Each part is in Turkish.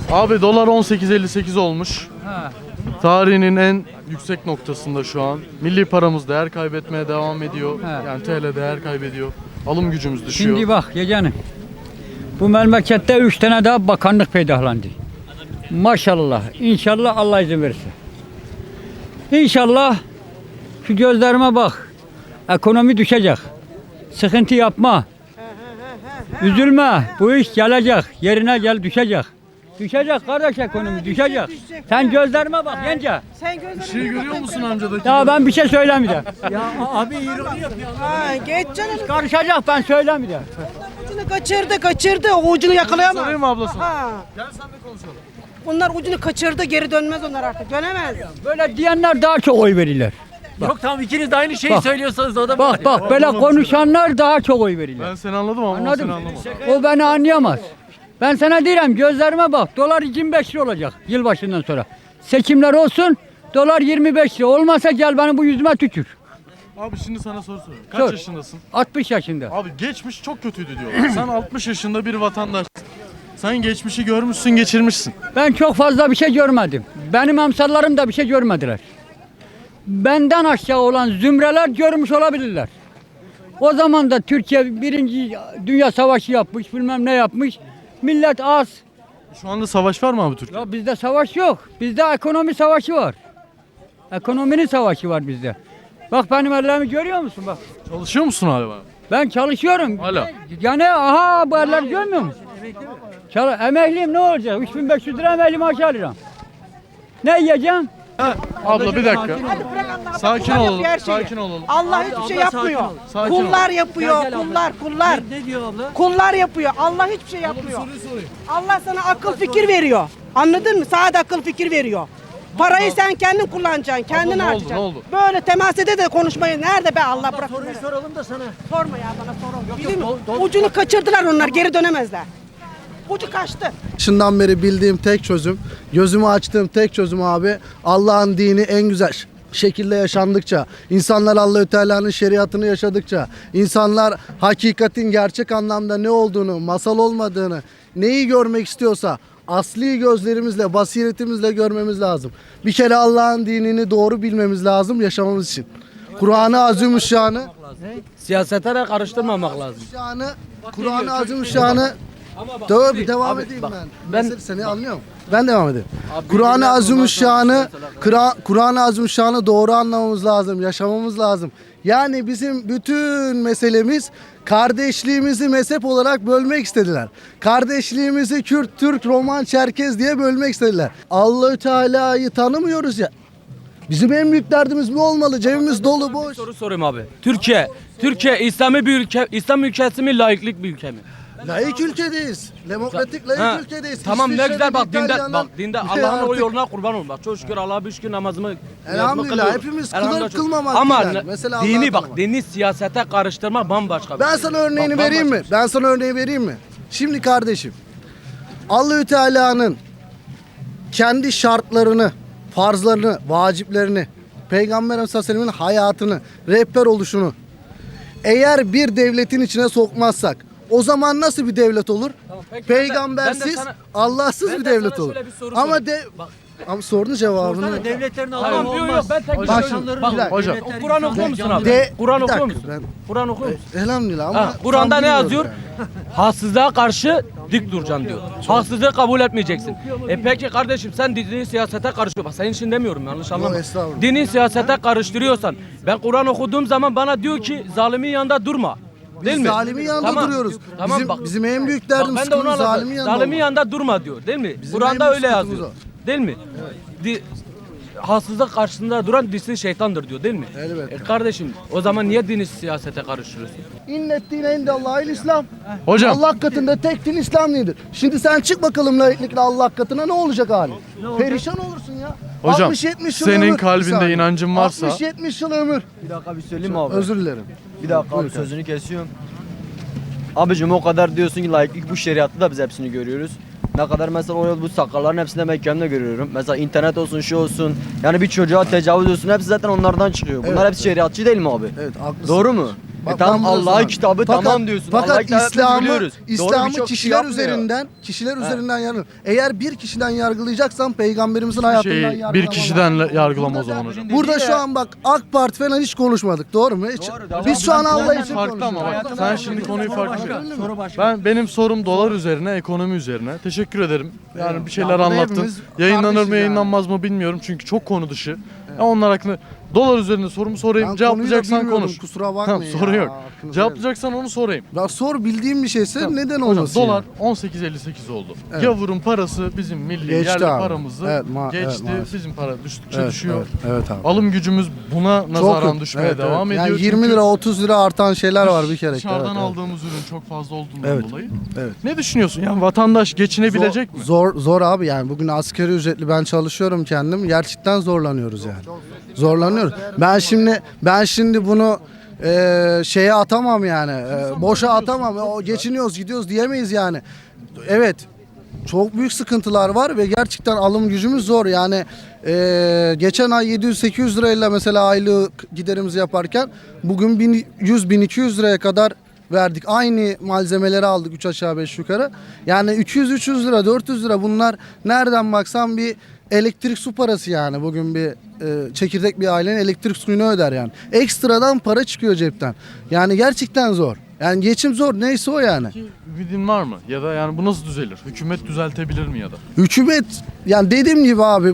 Abi dolar 18.58 olmuş. Ha. Tarihinin en yüksek noktasında şu an. Milli paramız değer kaybetmeye devam ediyor. He. Yani TL değer kaybediyor. Alım gücümüz düşüyor. Şimdi bak yeğenim. Bu memlekette 3 tane daha bakanlık peydahlandı. Maşallah. İnşallah Allah izin verirse. İnşallah şu gözlerime bak. Ekonomi düşecek. Sıkıntı yapma. Üzülme. Bu iş gelecek. Yerine gel düşecek. Düşecek kardeş ekonomi düşecek. Sen gözlerime bak yenge. Sen gözlerine Bir şey görüyor musun amcadaki? Ya ben bir şey söylemeyeceğim. Ha, geç canım. Karışacak ben söylemeyeceğim. Ucunu kaçırdı. O ucunu yakalayamaz. Sorayım mı ablası? Ha. Gel sen de konuşalım. Bunlar ucunu kaçırdı, geri dönmez onlar artık. Dönemez. Böyle diyenler daha çok oy verirler. Yok tamam ikiniz de aynı şeyi Bak. söylüyorsanız o da Bak böyle konuşanlar daha çok oy verirler. Ben seni anladım ama o Anladın seni mı? anlamadı. O beni anlayamaz. Ben sana diyorum gözlerime bak. Dolar 25 lira olacak yılbaşından sonra. Seçimler olsun dolar 25 lira. Olmasa gel beni bu yüzüme tükür. Abi şimdi sana soru soruyorum. Kaç Sor. yaşındasın? 60 yaşında. Abi geçmiş çok kötüydü diyorlar. Sen 60 yaşında bir vatandaşsın. Sen geçmişi görmüşsün, geçirmişsin. Ben çok fazla bir şey görmedim. Benim emsallarım da bir şey görmediler. Benden aşağı olan zümreler görmüş olabilirler. O zaman da Türkiye birinci Dünya Savaşı yapmış, bilmem ne yapmış. Millet az. Şu anda savaş var mı abi Türkiye'de? Ya bizde savaş yok. Bizde ekonomi savaşı var. Ekonominin savaşı var bizde. Bak benim ellerimi görüyor musun bak. Çalışıyor musun hala? Ben çalışıyorum. Hala. Yani aha bu eller görmüyor musun? Emekliyim ne olacak? 3500 lira emekli maaşı alacağım. Ne yiyeceğim? Abla bir dakika. Sakin Kullar olalım. yapıyor her şeyi. Sakin olalım. Allah hiçbir şey yapmıyor. Sakin ol. Kullar yapıyor, kullar. Ne diyor abla? Kullar yapıyor. Allah hiçbir şey yapmıyor. Allah sana akıl fikir veriyor. Anladın mı? Sadece akıl fikir veriyor. Parayı sen kendin kullanacaksın, kendin ne oldu, harcayacaksın. ne oldu? Böyle temas ede de konuşmayı nerede be Allah bırak. Soruyu soralım da sana. Sorma ya bana sorun. Bizim ucunu kaçırdılar onlar, geri dönemezler. Ucu kaçtı. Başından beri bildiğim tek çözüm, gözümü açtığım tek çözüm abi, Allah'ın dini en güzel şekilde yaşandıkça, insanlar Allahü Teala'nın şeriatını yaşadıkça, insanlar hakikatin gerçek anlamda ne olduğunu, masal olmadığını, neyi görmek istiyorsa asli gözlerimizle, basiretimizle görmemiz lazım. Bir kere Allah'ın dinini doğru bilmemiz lazım yaşamamız için. Kur'an-ı Azimüşşan'ı Siyasete de karıştırmamak lazım. Kur'an-ı Azimüşşan'ı devam edeyim ben. Seni anlıyorum. Ben devam edeyim. Kur'an-ı Azimüşşan'ı Kur'an-ı Azimüşşan'ı doğru anlamamız lazım, yaşamamız lazım. Yani bizim bütün meselemiz kardeşliğimizi mezhep olarak bölmek istediler. Kardeşliğimizi Kürt, Türk, Roman, Çerkez diye bölmek istediler. Allahü Teala'yı tanımıyoruz ya. Bizim en büyük derdimiz bu olmalı. Cebimiz dolu boş. Soru sorayım abi. Türkiye İslami bir ülke, İslam ülkesi mi, laiklik bir ülke mi? Laik ülkedeyiz. Demokratik laik Ha, ülkedeyiz. tamam ne İsviçre'nin, güzel bak İtalya'nın- dinde Bir Allah'ın o artık- yoluna kurban olun. Bak çok şükür Allah'a bir şükür namazımı Elhamdülillah, kılıyorum. hepimiz Elhamdülillah kılır, çok- kılmamak Ama değil yani. Mesela Allah'ı dini bak tanımak. dini siyasete karıştırma bambaşka bir Ben şey. sana örneğini Bak, vereyim mi? bambaşka. Ben sana örneği vereyim mi? Şimdi kardeşim, Allahü Teala'nın kendi şartlarını, farzlarını, vaciplerini, Peygamber Efendimiz'in Aleyhisselam'ın hayatını, rehber oluşunu eğer bir devletin içine sokmazsak o zaman nasıl bir devlet olur? Tamam, peki ben de Peygambersiz, sana- Allahsız ben bir de devlet sana olur. şöyle bir soru Ama sorayım. Bak. ama sorunun cevabını Devletlerin Tamam, Allah'ı olmaz. Ben tek bir Bak şey şimdi, söylüyorum. bir dakika. Hocam. Kur'an okuyor musun abi? De- Kur'an bir okuyor dakika, musun? ben- Kur'an okuyor musun? Elhamdülillah ama Ha, Kur'an'da tam ne bilmiyorum yazıyor? yani. Haksızlığa karşı dik duracaksın diyor. Haksızlığı kabul etmeyeceksin. Peki kardeşim sen dini siyasete karışıyor. Bak senin için demiyorum yanlış anlama. estağfurullah. Dini siyasete karıştırıyorsan ben Kur'an okuduğum zaman bana diyor ki zalimin yanında durma. Değil Biz mi? zalimin yanında Tamam. duruyoruz. Tamam bizim, bak. bizim en büyük Bak derdimiz ben de onu zalimin anlatıyorum. yanında. Zalimin olmak. yanında durma diyor değil mi? Bizim en Kur'an'da büyük öyle sıkıntımız yazıyor. Değil mi? Haksızlık karşısında duran disi şeytandır diyor değil mi? Elbette. Kardeşim o zaman niye dini siyasete karıştırıyorsun? İnnet dine indallahil İslam. Hocam. Allah katında tek din İslam dinidir. Şimdi sen çık bakalım laiklikle Allah katına ne olacak hali? Perişan olursun ya. Hocam, 60-70 yıl senin ömür. kalbinde Bir saniye. inancın varsa- 60-70 yıl ömür. Bir dakika bir söyleyeyim mi abi? Özür dilerim. Bir dakika abi sözünü kesiyorum. Abicim o kadar diyorsun ki laiklik bu şeriatta da biz hepsini görüyoruz. Ne kadar mesela o yol bu sakalların hepsini ben kendimde görüyorum. Mesela internet olsun şu olsun. Yani bir çocuğa tecavüz olsun hepsi zaten onlardan çıkıyor. Bunlar Evet, hepsi şeriatçı değil mi abi? Evet haklısın. Doğru mu? Bak, Tamam ben bunu Allah'ın sana- kitabı tamam diyorsun. Allah'ın Fakat kitabını İslam'ı biliyoruz. Doğru İslam'ı birçok kişi kişiler yapmıyor. üzerinden yargılıyor. Eğer bir kişiden yargılayacaksan peygamberimizin hayatından yargılama. Bir kişiden yargılama o zaman hocam. Burada şu an bak AK Parti falan hiç konuşmadık, doğru mu? Hiç. Biz şu an Allah için Farklı ama konuşuyoruz. bak sen şimdi konuyu farklı. Benim sorum dolar üzerine, ekonomi üzerine. Teşekkür ederim. Yani bir şeyler burada anlattın. hepimiz Yayınlanır kardeşiz mı, yayınlanmaz mı bilmiyorum çünkü çok konu dışı. Ya onlar hakkında dolar üzerine sorumu sorayım. Ben konuyu da Cevaplayacaksan bilmiyorum, konuş. kusura bakmayın Tamam, sorun ya, yok. hakkınızı Cevaplayacaksan onu sorayım. Ya sor, bildiğim bir şeyse neden Hocam olmasın? dolar yani? 18.58 oldu. Evet. Gavurun parası bizim milli Geçti yerli abi. paramızı Evet, geçti. evet, maalesef. Bizim para düştükçe Evet, düşüyor. evet abi. Alım gücümüz buna Çok nazaran yok. düşmeye Evet, devam evet. ediyor. Yani 20 Çünkü lira 30 lira artan şeyler var bir kere. dışarıdan Evet, aldığımız ürün çok fazla olduğundan Evet, dolayı. evet. Ne düşünüyorsun? Yani vatandaş geçinebilecek mi? Zor abi, yani bugün asgari ücretli, ben çalışıyorum kendim, gerçekten zorlanıyoruz yani. Zorlanıyoruz. Ben şimdi bunu şeye atamam yani. Boşa atamam. O geçiniyoruz, gidiyoruz diyemeyiz yani. Evet. Çok büyük sıkıntılar var ve gerçekten alım gücümüz zor. Yani geçen ay 700-800 lirayla mesela aylık giderimizi yaparken bugün 100-1200 liraya kadar verdik. Aynı malzemeleri aldık 3 aşağı 5 yukarı. Yani 200-300 lira, 400 lira, bunlar nereden baksan bir elektrik su parası yani. Bugün bir çekirdek bir ailenin elektrik suyunu öder yani. Ekstradan para çıkıyor cepten. Yani gerçekten zor. Yani geçim zor, neyse o yani. Ki ümidin var mı? Ya da yani bu nasıl düzelir? Hükümet düzeltebilir mi ya da? Hükümet, yani dediğim gibi abi,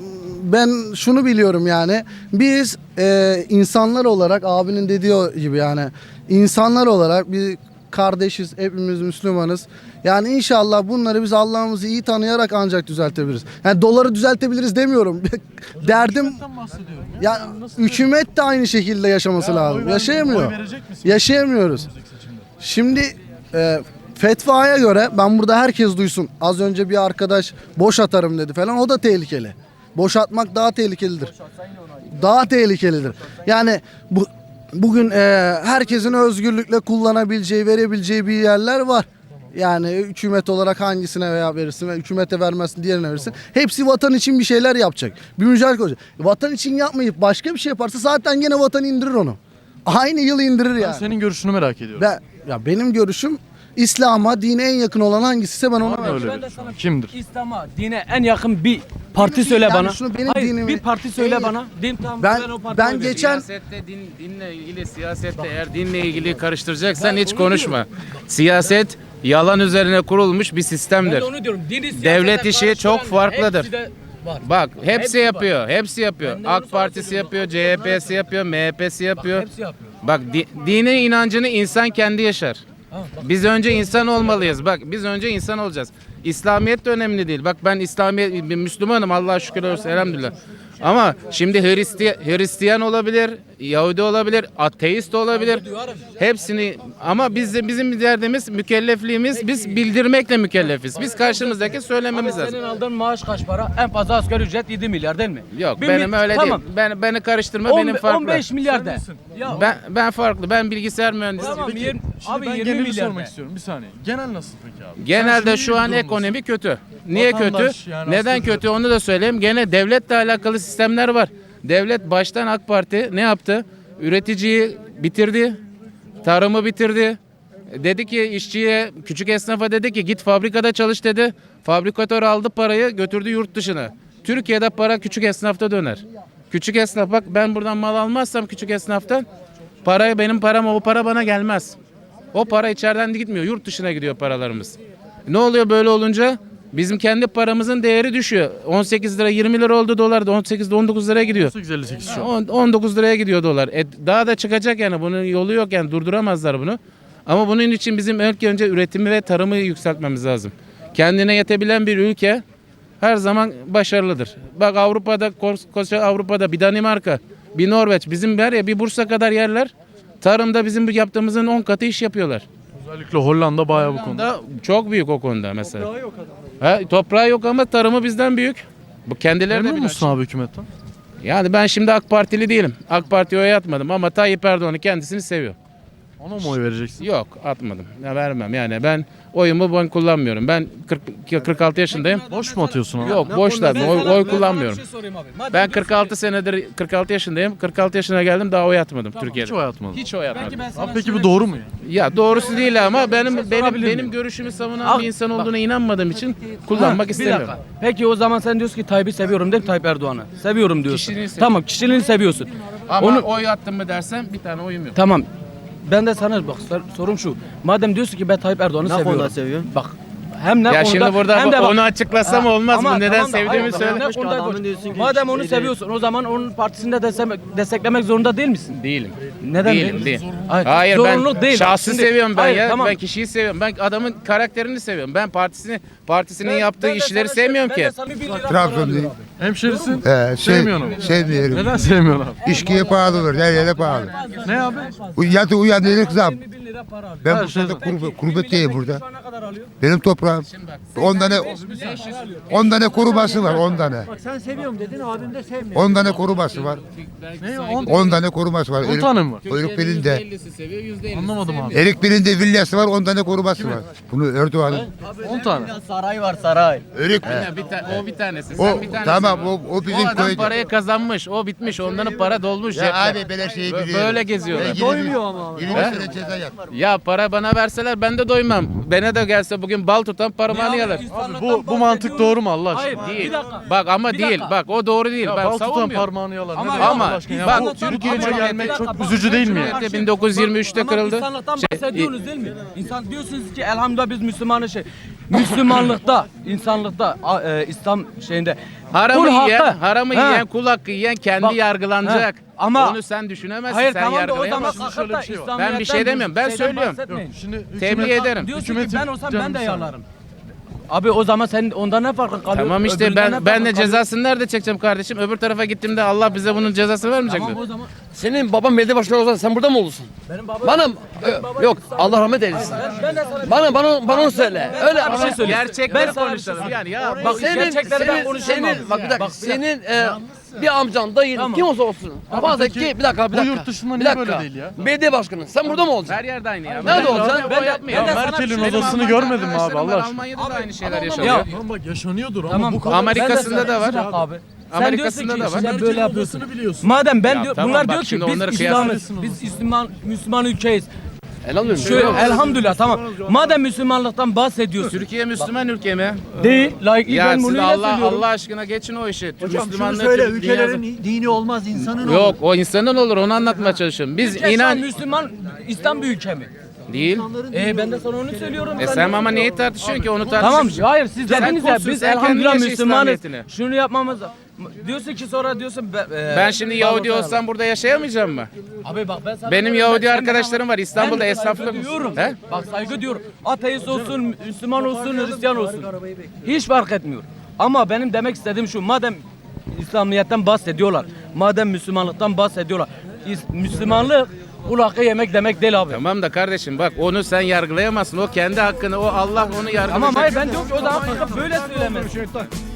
ben şunu biliyorum yani, biz insanlar olarak, abinin dediği gibi yani, insanlar olarak bir kardeşiz, hepimiz Müslümanız. Yani inşallah bunları biz Allah'ımızı iyi tanıyarak ancak düzeltebiliriz. Yani doları düzeltebiliriz demiyorum. Derdim Hükümetten bahsediyorum. ya, hükümet de aynı şekilde yaşaması lazım. Yaşayamıyor. Oy verecek misin? Yaşayamıyoruz. Şimdi fetvaya göre, ben burada herkes duysun. Az önce bir arkadaş boş atarım dedi falan, o da tehlikeli. Boş atmak daha tehlikelidir. Daha tehlikelidir. Yani bugün herkesin özgürlükle kullanabileceği, verebileceği bir yerler var. Yani hükümet olarak hangisine veya verirsin ve hükümete vermezsin, diğerine verirsin. Hepsi vatan için bir şeyler yapacak. Bir mücadele olacak. Vatan için yapmayıp başka bir şey yaparsa zaten gene vatan indirir onu. Aynı yıl indirir Ben yani. senin görüşünü merak ediyorum. Benim görüşüm, İslam'a, dine en yakın olan hangisiyse ben ona Var mı veririm. öyle bir şey? Kimdir? İslam'a, dine en yakın bir parti Benim söyle yani bana. şunu, benim Hayır, dinimi- bir parti söyle en- bana. Din tamam, Ben o partiye veririm. geçen Siyasette dinle ilgili, siyasette eğer dinle ilgili karıştıracaksan hiç konuşma. Siyaset yalan üzerine kurulmuş bir Ben sistemdir. de onu diyorum. Dini siyasete Devlet işi karıştıran çok farklıdır. hepsi de var. Bak hepsi Hepsi var. yapıyor. Hepsi yapıyor. Ben de onu AK Partisi söylüyorum. yapıyor, CHP'si yapıyor, MHP'si yapıyor. Hepsi yapıyor. Bak dine inancını insan kendi yaşar. Biz önce insan olmalıyız. Bak biz önce insan olacağız. İslamiyet de önemli değil. Bak ben bir Müslümanım, Allah'a şükür olsun, elhamdülillah. Ama şimdi Hristiyan olabilir, Yahudi olabilir, ateist olabilir. Hepsini, ama bizim derdimiz, mükellefliğimiz, biz bildirmekle mükellefiz. Biz karşımızdaki söylememiz lazım. Senin aldığın maaş kaç para? En fazla asgari ücret 7 milyar değil mi? Yok Bir benim öyle tamam. değil. Beni karıştırma, benim farklı. 15 milyar de. Ya, Ben farklı. Ben bilgisayar mühendisiyim. Tamam, Peki, yirmi- şimdi abi ben 20 geneli milyar sormak de. istiyorum. Bir saniye. Genel nasıl peki abi? Genelde Sen şu şimdi an bir durumdasın. ekonomi kötü. Niye Vatandaş kötü? yani Neden aslında- kötü onu da söyleyeyim. Gene devletle alakalı sistemler var. Devlet baştan AK Parti ne yaptı? Üreticiyi bitirdi. Tarımı bitirdi. Dedi ki işçiye, küçük esnafa dedi ki git fabrikada çalış dedi. Fabrikatör aldı parayı, götürdü yurt dışına. Türkiye'de para küçük esnafta döner. Küçük esnaf, bak ben buradan mal almazsam küçük esnaftan, benim param, o para bana gelmez. O para içeriden de gitmiyor. Yurt dışına gidiyor paralarımız. Ne oluyor böyle olunca? Bizim kendi paramızın değeri düşüyor. 18 lira 20 lira oldu dolar da 18'de 19 liraya gidiyor. 18.58 şu an. 19 liraya gidiyor dolar. Daha da çıkacak yani, bunun yolu yok yani, durduramazlar bunu. Ama bunun için bizim önce üretimi ve tarımı yükseltmemiz lazım. Kendine yetebilen bir ülke her zaman başarılıdır. Bak koskoca Avrupa'da bir Danimarka, bir Norveç, bizim bir Bursa kadar yerler tarımda bizim yaptığımızın 10 katı iş yapıyorlar. Özellikle Hollanda bayağı bu konuda. Hollanda çok büyük o konuda mesela. Toprağı yok adamın. Toprağı yok ama tarımı bizden büyük. Bu kendileri de Memnun bilir. musun abi hükümetten? Yani ben şimdi AK Partili değilim. AK Parti'ye oy atmadım ama Tayyip Erdoğan'ı kendisini seviyor. Ona mı oy vereceksin? Yok, atmadım. Ya vermem. Yani ben oyumu ben kullanmıyorum. Ben 46 yaşındayım. Boş mu atıyorsun abi? Yok boş da oy kullanmıyorum. Ben 46 yaşındayım. 46 yaşına geldim daha oy atmadım Türkiye'de. Hiç oy atmadın. Hiç oy atmadım. Abi peki bu doğru mu ya? Ya doğrusu değil ama benim görüşümü savunan bir insan olduğuna inanmadığım için kullanmak Bir istemiyorum. dakika. Peki o zaman sen diyorsun ki Tayyip'i seviyorum değil mi, Tayyip Erdoğan'ı? Seviyorum diyorsun. Kişiliğini seviyorum. Tamam, kişiliğini seviyorsun. Ama Onu oy attım mı dersen bir tane oyum yok. tamam. Ben de sana bak sorum şu. Madem diyorsun ki ben Tayyip Erdoğan'ı Ne seviyorum. konuda seviyorsun? Bak hem ne Ya konuda şimdi burada hem de bak- onu açıklasam olmaz mı? Ama Neden tamam da, sevdiğimi hayır, söyle. ne konuda Adamın konuş- diyorsun ki Madem onu şey seviyorsun o zaman onun partisini de desteklemek zorunda değil misin? Değilim. Neden Değilim, değil? değil. Hayır, Hayır zorunluluk ben değil. şahsı Şimdi- seviyorum ben hayır, ya. tamam. Ben kişiyi seviyorum. Ben adamın karakterini seviyorum. Ben partisinin yaptığı işleri sevmiyorum ki. Trabzon'dayım. Hemşerisin. Sevmiyorum. Sevmiyorum. Neden sevmiyorsun abi? İşkiye pahalı olur. Her yere pahalı. Ne abi? Yatı uyandık zam. Ben Her bu şey sene zam. kurbetteyim burada. Benim toprağım. 10 tane koruması var. 10 tane. Sen seviyorum dedin, abim de sevmiyor. 10 tane koruması var. Ne? 10 tane koruması var. 10 tane mi var? Erik birinde. %50'si seviyor, %50'si Anlamadım abi. Erik birinde villası var. 10 tane koruması var. Bunu Erdoğan'ın. 10 tane. Saray var saray. Erik. O bir tanesi. O Sen bir tanesi. tamam o bizim O adam köyde. parayı kazanmış. O bitmiş. Onların para dolmuş. Ya cepte. abi böyle şeyi biliyorum. Böyle geziyorlar. Doymuyor ama. 20 sene ceza yat. Ya para bana verseler ben de doymam. Bana da gelse bugün bal tutan parmağını yalar. Abi bu mantık doğru mu Allah aşkına? Hayır, Değil. bir dakika. Bak ama Bir değil. dakika. Bak o doğru değil. Ya Ben bal tutan savunmuyorum. parmağını yalar. Ama- Ne demek ama Allah aşkına ya? bak, Bu Türkiye'ye Cumhuriyeti- gelmek çok üzücü değil mi ya? Cumhuriyeti 1923'te kırıldı. İnsanlıktan Şey, bahsediyorsunuz değil mi? İnsan diyorsunuz ki elhamdülillah biz Müslümanız Müslümanlıkta, insanlıkta, İslam şeyinde Haramı kul yiyen, hakkı- haramı Ha. yiyen, kul hakkı yiyen kendi Bak, yargılanacak. ha. Ama- onu sen düşünemezsin, Hayır sen tamam da o zaman yargılayamazsın. şöyle kalkıp bir da şey var. İslamiyet'ten Ben bir şey demiyorum, ben şeyden söylüyorum. bahsetmeyin. Şimdi Tebliğ ederim. Diyorsun ki Hükümetin ben olsam canım ben de bir saniye. yalarım. Abi o zaman sen ondan ne farkın kalıyor? Tamam işte Öbüründen ne ben de farkın kalıyor? cezasını nerede çekeceğim kardeşim? Öbür tarafa gittiğimde Allah bize bunun cezasını vermeyecek mi? Tamam o zaman Senin baban belediye başkanı olsa sen burada mı olursun? benim babam Bana yok Allah rahmet eylesin. ben de sana Bana onu söyle. Öyle bir şey söyleyeyim. Gerçekleri Ben sana bir şey konuşalım yani ya. Bak gerçekleri ben konuşamam. bak bir dakika. Senin bir amcan, dayın, Tamam. kim olsa olsun. Bazen ki bir dakika. bu yurt dışında niye böyle değil ya? Belediye başkanı. Sen burada mı olacaksın? Her yerde aynı ya. Nerede olacaksın? Ben yapmıyor. Ya Merkel'in odasını görmedin mi abi Allah aşkına? Almanya'da da aynı şeyler Ya, yaşanıyor. Tamam bak yaşanıyordur ama Tamam. bu kadar. Amerika'sında da var. Bir dakika abi. Sen Amerika'sında diyorsun da ki var. sen böyle yapıyorsun. Odasını biliyorsun. Madem ben Ya diyor, tamam, bunlar bak diyor ki şimdi biz onları İslam'ız, kıyaslasın biz Müslüman ülkeyiz. Elhamdülillah. Şöyle elhamdülillah tamam. Madem Müslümanlıktan bahsediyorsun. Türkiye Müslüman ülke mi? Değil. Layık Ya ben siz bunu Allah aşkına geçin o işi. Müslümanlığı Söyle, Türk ülkelerin dünyası- dini olmaz, insanın olur. Yok o insanın olur onu anlatmaya çalışıyorum. Biz Türkiye şu an inan Müslüman İslam bir ülke mi? değil. Ben de sana onu söylüyorum. Sen ama neyi tartışıyorsun ki onu Tamam tartışıyorsun. hayır siz Sen dediniz ya kulsun, biz sen kendin elhamdülillah yaşa Müslümanız. İslamiyetini. Şunu yapmamız diyorsun ki sonra diyorsun Ben şimdi Yahudi olsam burada yaşayamayacağım mı? abi bak ben sana Benim diyorum, Yahudi ben arkadaşlarım var İstanbul'da saygı esnaflık. duyuyorum. He? Bak saygı diyorum. Ateist olsun, Müslüman olsun, Hristiyan olsun. Hiç fark etmiyor. Ama benim demek istediğim şu. Madem İslamiyet'ten bahsediyorlar. Madem Müslümanlıktan bahsediyorlar. Müslümanlık kul hakkı yemek demek değil abi. Tamam da kardeşim bak onu sen yargılayamazsın. O kendi hakkını, o Allah onu yargılayacak. Tamam hayır ben diyorum ki o zaman kalkıp böyle söylemez.